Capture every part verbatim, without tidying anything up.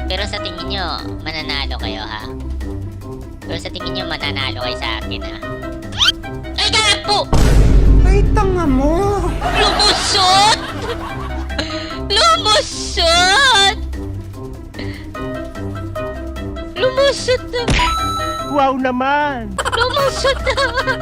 pero sa tingin nyo, mananalo kayo ha? Pero sa tingin nyo, mananalo kayo sa akin ha? Ay, gapo! Ay, tanga mo! Lumusot! Lumusot! Lumusot na! Wow naman! Lumusot na!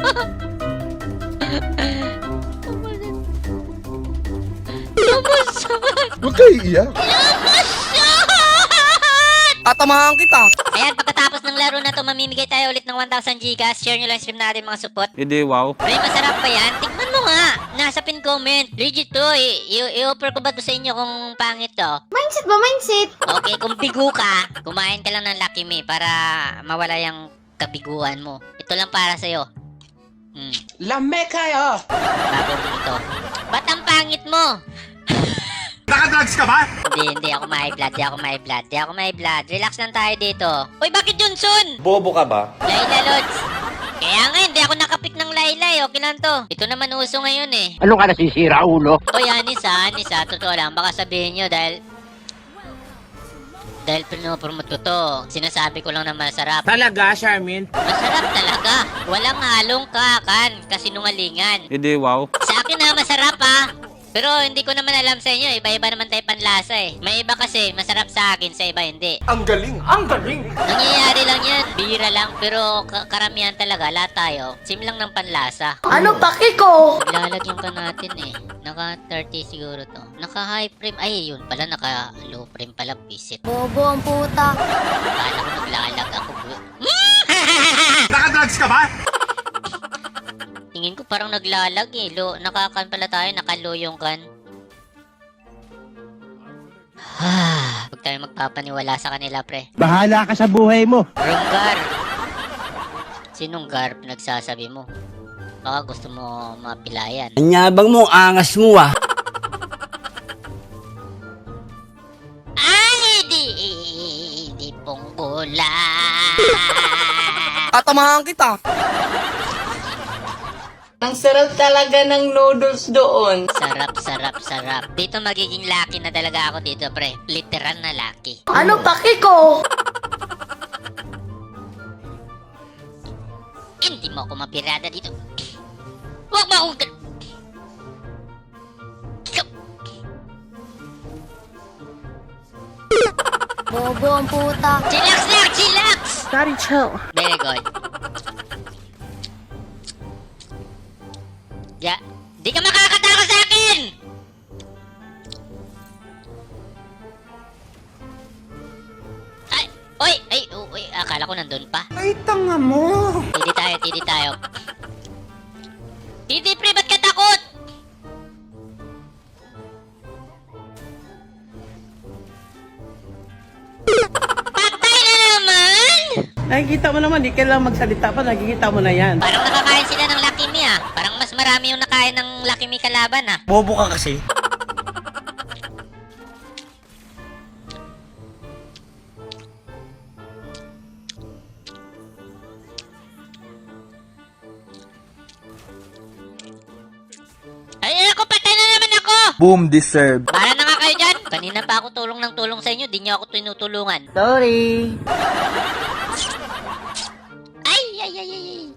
Lumusot! Huwag kayo iiyak. Lumusot! Tatamahan kita. Ayan, pagkatapos ng laro na to, mamimigay tayo ulit ng one thousand Gcash. Share nyo lang stream natin mga support. Hindi, wow. Pre, masarap ba yan? Tingnan mo nga. Nasa pin comment. Legit to. I- i- I-offer ko ba to sa inyo kung pangit to? Mindset ba? Mindset? Okay, kung bigo ka, kumain ka lang ng Lucky Me para mawala yung kabiguan mo. Ito lang para sa'yo. Hmm. Lame kayo. Bago mo ito. Ba't ang pangit mo? Nakadrugs ka ba? Hindi, hindi ako may blood. Hindi ako may blood. Hindi ako may blood. Relax lang tayo dito. Uy, bakit Johnson? Bobo ka ba? Layla Lods. Kaya nga, hindi ako nakapik ng Layla eh. Okay lang to. Ito naman uso ngayon eh. Ano ka nasisira, ulo? Uy, Anis ha, Anis ha. Totoo lang. Baka sabihin nyo dahil... Dahil pinopromote ko to. Sinasabi ko lang na masarap. Talaga, Charmin? Masarap talaga. Walang halong kakan. Kasinungalingan. Hindi, wow. Sa akin ha, masarap ha. Pero hindi ko naman alam sa inyo, iba-iba naman tayo panlasa eh. May iba kasi masarap sa akin, sa iba hindi. Ang galing. Ang galing. Nangyayari lang yan, bira lang, pero ka- karamihan talaga, lahat tayo, sim lang ng panlasa. Ano paki ko? Lalagyan ka natin eh. Naka thirty siguro to. Naka high frame, ay yun pala, naka low frame pala, visit. Bobo ang puta. Kala ko naglalag ako. Nakadrugs ka ba? Tingin ko parang naglalag eh. Lo, nakakan pala tayo, nakalo yung kan. Huwag tayo magpapaniwala sa kanila, pre. Bahala ka sa buhay mo. Runggar! Sinong gar nagsasabi mo? Baka gusto mo mapilayan. Anyabang mo, angas mo ah. Ay, di, di ponggola. Tatamahan kita. Ang sarap talaga ng noodles doon. Sarap, sarap, sarap. Dito magiging lucky na talaga ako dito, pre. Literal na lucky. Ano paki ko? Hindi mo ako mapirada dito. Huwag mo akong... gan- Ikaw- Bobo ang puta. Chillax lang, chillax! Daddy, chill. Very good. Ya, di ka makakatako sa akin! Ay, oy, ay, oh, oy, akala ko nandun pa. Ay, tanga mo! Tidi tayo, tidi tayo. Tidi, pre, ba't ka takot? Patay na naman! Nakikita mo naman, di kailangan magsalita pa, nakikita mo na yan. Parang nakakain sila ng Lucky Me ah. Parang mas marami yung nakain ng Lucky Me kalaban ah. Bobo ka kasi. Ay, ako, patay na naman ako! Boom deserve. Para na nga kayo dyan. Kanina pa ako tulong ng tulong sa inyo, di nyo ako tinutulungan. Sorry. Ay, ay, ay, ay, ay.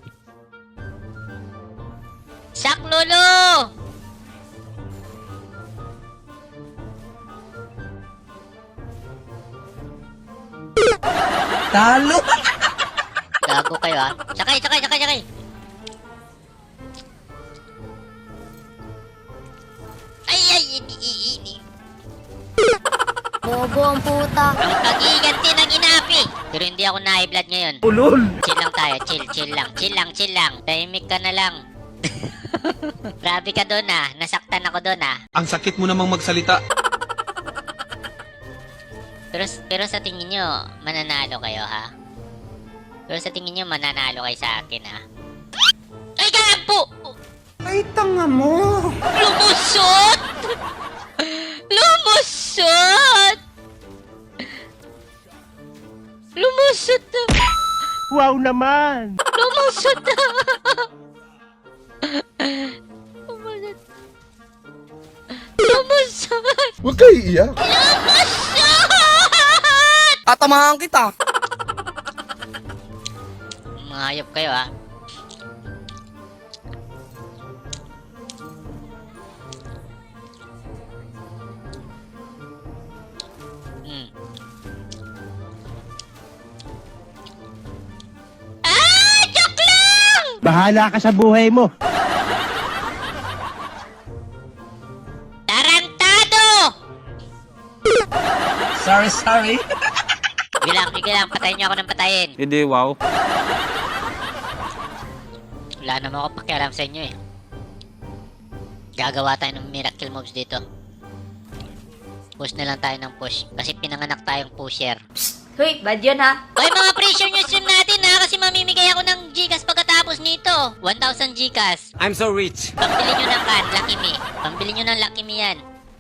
Sak, Lolo! Talo. Gago kayo ah. Sakay, sakay, sakay, sakay. Ay, ay, ini, ini. Bobo ang puta. Ang pag-iganti ng inapi. Pero hindi ako na-blood ngayon. Ulol. Chill lang tayo, chill, chill lang, chill lang, chill lang. Tahimik ka na lang. Grabe ka doon ah. Nasaktan ako doon ah. Ang sakit mo namang magsalita. Pero, pero sa tingin nyo, mananalo kayo ha? Pero sa tingin nyo, mananalo kayo sa akin ha? Ay, gapo! Ay, tanga mo! Lumusot! Lumusot! Lumusot na! Wow naman! Lumusot na! Lumusot! Huwag kayo iiyak. Lumusot! Tatamahan kita. Mga hayop kayo, ha? Hmm. Ah! Joke lang! Bahala ka sa buhay mo. Tarantado! Sorry, sorry. Sige lang, sige lang. Patayin niyo ako ng patayin. Hindi, wow. Wala naman ako pakialam sa inyo, eh. Gagawa tayo ng miracle moves dito. Push na lang tayo ng push. Kasi pinanganak tayong pusher. Hoy, bad yun ha. Hoy, mga pressure nyo stream natin, ha? Kasi mamimigay ako ng Gcash pagkatapos nito. one thousand Gcash. I'm so rich. Pambili nyo ng kan, Lucky Me. Pambili nyo ng Lucky Me yan.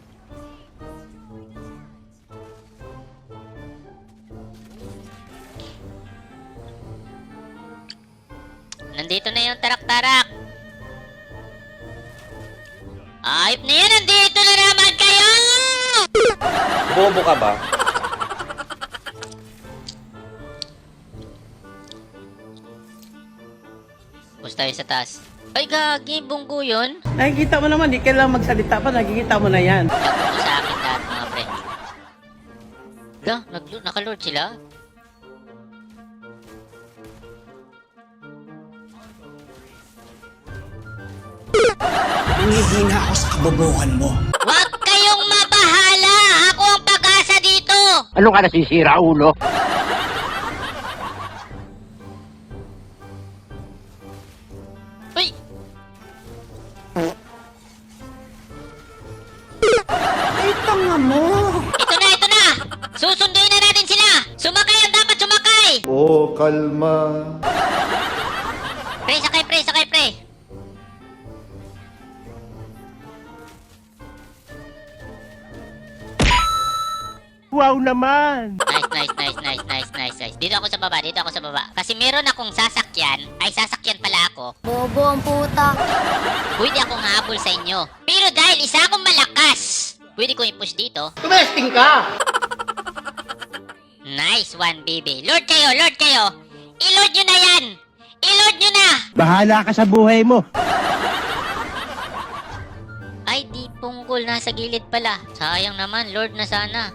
Nandito na yung tarak-tarak. Ayop na yan, nandito na naman kayo! Bobo ka ba? Push tayo sa taas. Ay, gagi, bunggo yun. Nakikita mo naman, di kailangan magsalita pa, nakikita mo na yan. Nagpunto sa akin lahat, mga pre. Ga, nag- naka-lord sila? Hihina ako sa kabobohan mo. Huwag kayong mabahala! Ako ang pag-asa dito! Ano ka nasisira, ulo? Uy! Ay, tanga mo. Ito na, ito na! Susunduin na natin sila! Sumakay ang dapat sumakay! Oh, kalma. Pre, sakay pre, sakay pre! Wow naman. Nice, nice, nice, nice, nice, nice, nice. Dito ako sa baba, dito ako sa baba. Kasi meron akong sasakyan. Ay, sasakyan pala ako. Bobo ang puta. Pwede akong habol sa inyo. Pero dahil isa akong malakas, pwede kong i-push dito. Tumesting ka! Nice one, baby. Lord kayo, Lord kayo. I-Lord nyo na yan! I-Lord nyo na! Bahala ka sa buhay mo. Ay, di punggol. Nasa gilid pala. Sayang naman, Lord na sana.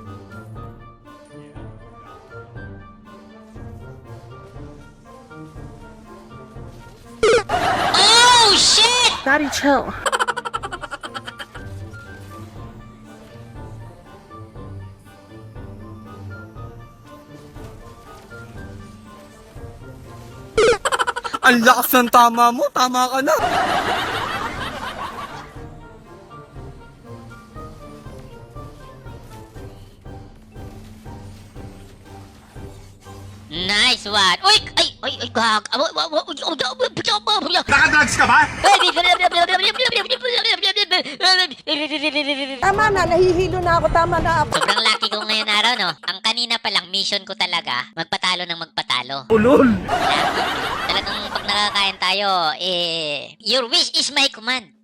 Oh, shit! Daddy, chill. Ang lakas ng tama mo. Tama ka na. Nice one. Uy! Ay! Ay! Ay! Gag! Nakadrugs ka ba? Tama na, nahihilo na ako, tama na. Sobrang lucky ko ngayon araw, no? Ang kanina pa lang, mission ko talaga, magpatalo ng magpatalo. Ulol. Lucky. Talagang pag nakakain tayo, eh, your wish is my command.